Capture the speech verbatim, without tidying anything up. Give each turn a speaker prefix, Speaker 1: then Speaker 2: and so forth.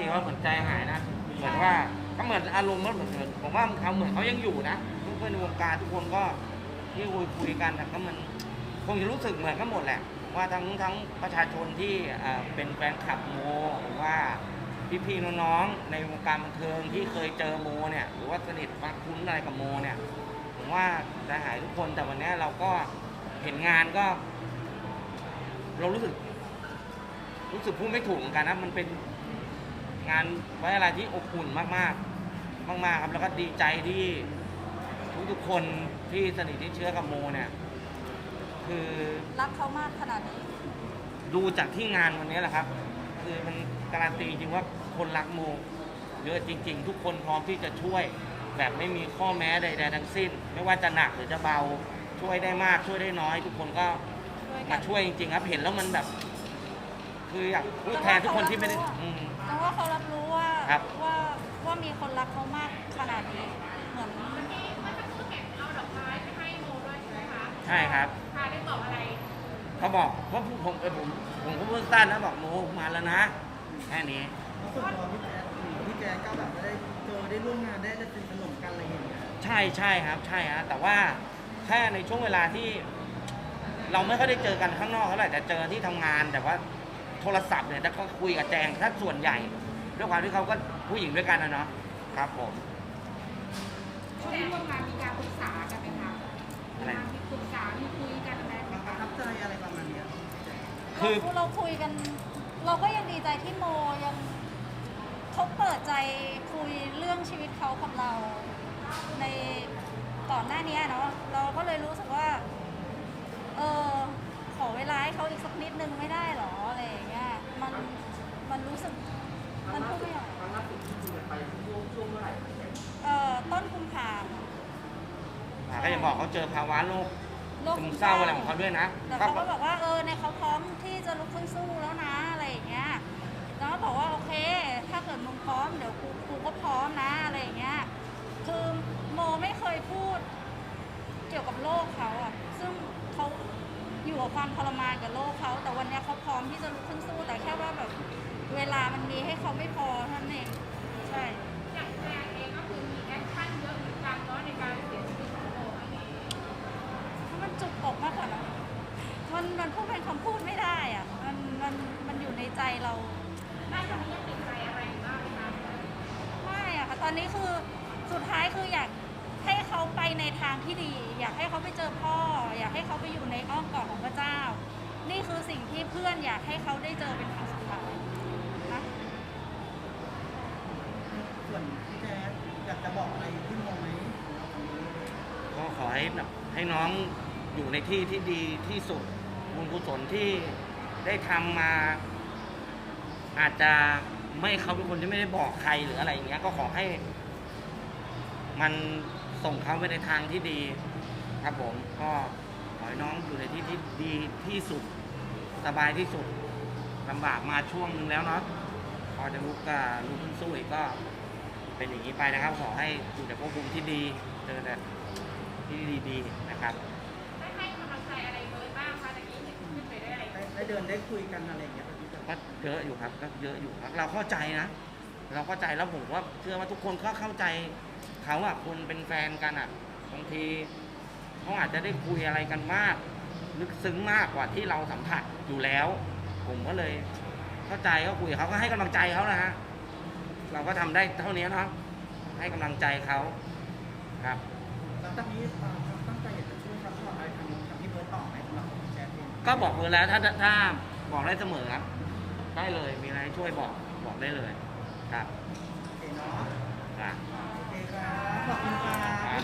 Speaker 1: ว่าเหมือนใจหายนะเหมือนว่าก็เหมือนอารมณ์มันเหมือนผมว่าเขาเหมือนเขายังอยู่นะทุกคนในวงการทุกคนก็ที่คุยคุยกันก็มันคงจะรู้สึกเหมือนกันหมดแหละว่าทั้งทั้งประชาชนที่เป็นแฟนคลับโมหรือว่าพี่ๆน้องๆในวงการบันเทิงที่เคยเจอโมเนี่ยหรือว่าสนิทมาคุ้นอะไรกับโมเนี่ยผมว่าใจหายทุกคนแต่วันนี้เราก็เห็นงานก็ เรารู้สึกรู้สึกพูดไม่ถูกเหมือนกันนะมันเป็นงานไว้อะไรที่อบอุ่นมากๆมากๆครับแล้วก็ดีใจที่ทุกๆคนที่สนิทที่เชื้อกับโมเนี่ยคือ
Speaker 2: รักเขามากขนาดนี้
Speaker 1: ดูจากที่งานวันนี้แหละครับคือมันการันตีจริงว่าคนรักโมเยอะจริงๆทุกคนพร้อมที่จะช่วยแบบไม่มีข้อแม้ใดๆทั้งสิ้นไม่ว่าจะหนักหรือจะเบาช่วยได้มากช่วยได้น้อยทุกคนก็มาช่วยจริงๆครับเห็นแล้วมันแบบคืออยากพูดแทนทุกคนที่ไม่ได้
Speaker 2: แต่ว่าเขารับรู้ว่าว่าว่ามีคนรักเขามากขนาดนี้เหมือน
Speaker 3: ที่มันจะพูดแข่งเอาดอกไม้ไปให้โมด้วยใช่ไหมคะ
Speaker 1: ใช่ครับ
Speaker 3: พาได้บอกอะไร
Speaker 1: เขาบอกเพราะผมเออผมผมก็เพิ่งสั้นนะบอกโมมาแล้วนะแค่นี้
Speaker 4: ส่วนตัวพี่แจ๊คพี่แจ๊คก็แบบได้เจอได้ร่วมงานได้ได้สนิทสนมกันอะไรอย่างเงี้ย
Speaker 1: ใช่ใช่ครับใช่ฮะแต่ว่าแค่ในช่วงเวลาที่เราไม่ค่อยได้เจอกันข้างนอกเท่าไหร่แต่เจอที่ทำงานแต่ว่าโทรศัพท์เนี่ยจะก็คุยกับแจงถ้าส่วนใหญ่ด้วยความที่เขาก็ผู้หญิงด้วยกันนะเนาะครับผม
Speaker 3: ช่วงที่ร่วมงานมีการปรึกษากันไหมคะอะไรมีปรึกษามีคุยกันไหม
Speaker 4: ประทับใจอะไรประมาณนี้
Speaker 2: คือเราคุยกันเราก็ยังดีใจที่โมยังเขาเปิดใจคุยเรื่องชีวิตเขากับเราในก่อนหน้านี้เนาะเราก็เลยรู้สึกว่าเออขอเวลาให้เขาอีกสักนิดนึงไม่ได้หรออะไรอย่างเงี้ยมันมันรู้สึกมันพูดไม่ออก
Speaker 4: ครั้งล่าสุดที่คุยกันไปช่วงช่วงเมื่อไหร่
Speaker 2: เอ่อต้นกุมภา
Speaker 1: ก็ยังบอกเขาเจอภาวะโรคซึมเศร้าอะไรของเขาด้วยนะ
Speaker 2: แต่เขาก็บอกว่าเออในเขาพร้อมที่จะลุกขึ้นสู้แล้วนะอะไรอย่างเงี้ยแล้วก็บอกว่าโอเคถ้าเกิดมึงพร้อมเดี๋ยวกูกูก็พร้อมนะอะไรอย่างเงี้ยคือโมไม่เคยพูดเกี่ยวกับโลกเขาอ่ะซึ่งเขาอยู่กับความทรมานกับโลกเขาแต่วันนี้เขาพร้อมที่จะลุกขึ้นสู้แต่แค่ว่าแบบเวลามันมีให้เขาไม่พอเท่านั้นเองใช่
Speaker 3: อย่างแจงเองก็คือมีแอคชั่นเยอะเหมือนกันเนาะในการเสียชีวิตของโมครั้งนี้
Speaker 2: มันจุกอกมากกว่านะมันมันพูดเป็นคำพูดไม่ได้อ่ะมันมันมันอยู่ในใจเรา
Speaker 3: ได้ตอนนี้ยังติดใจอะไรบ้างไหมคะ
Speaker 2: ไม่อะค่ะตอนนี้คือสุดท้ายคืออยากให้เขาไปในทางที่ดี อยากให้เขาไปเจอพ่ออยากให้เขาไปอยู่ในอ้อมกอดของพระเจ้านี่คือสิ่งที่เพื่อนอยากให้เขาได้เจอเป็นครั้งสุดท้ายนะ
Speaker 4: ส่วนพี่แจ๊คอยากจะบอกอะไรพี่โมไหม
Speaker 1: ก็ขอให้แบบให้น้องอยู่ในที่ที่ดีที่สุดบุญกุศลที่ได้ทำมาอาจจะไม่เขาเป็นคนที่ไม่ได้บอกใครหรืออะไรอย่างเงี้ยก็ขอให้มันส่งเขาไปในทางที่ดีครับผมก็ขอให้น้องอยู่ในที่ที่ดีที่สุดสบายที่สุดลำบากมาช่วงนึงแล้วเนาะพอจะลุกก็ลุกขึ้นสู้อีกก็เป็นอย่างนี้ไปนะครับขอให้อยู่ในภพภูมิที่ดีเจอแต่ที่ดีๆนะครับ
Speaker 3: ได้ให้กำลังใจอะไรเลยบ้างคะตะกี้เห็นขึ้นไปได้อะไร
Speaker 4: ได้เดินได้คุยกันอะไรอย่างเงี้ย
Speaker 1: ก็เยอะอยู่ครับก็เยอะอยู่ครับเราเข้าใจนะเราเข้าใจแล้วผมว่าเชื่อว่าทุกคนก็เข้าใจเขาอะคนเป็นแฟนกันอะบางทีเขาอาจจะได้คุยอะไรกันมากลึกซึ้งมากกว่าที่เราสัมผัสอยู่แล้วผมก็เลยเข้าใจก็คุยเขาก็ให้กำลังใจเขานะฮะเราก็ทำได้เท่านี้เนาะให้กำลังใจเขาครับ
Speaker 4: แล้วตอนนี้ตั้งใจอยากจะช่วยซัพพอร์ตอะไรทางทางที่เบิร์ตต่อไหมสำหรับแจ๊คเอง
Speaker 1: ก็บอกเลยแล้วถ้าถ้าบอกได้เสมอครับได้เลยมีอะไรช่วยบอกบอกได้เลยครับ
Speaker 4: โอเคเนาะ
Speaker 1: ครับ
Speaker 4: โอเคครับขอบคุณครับ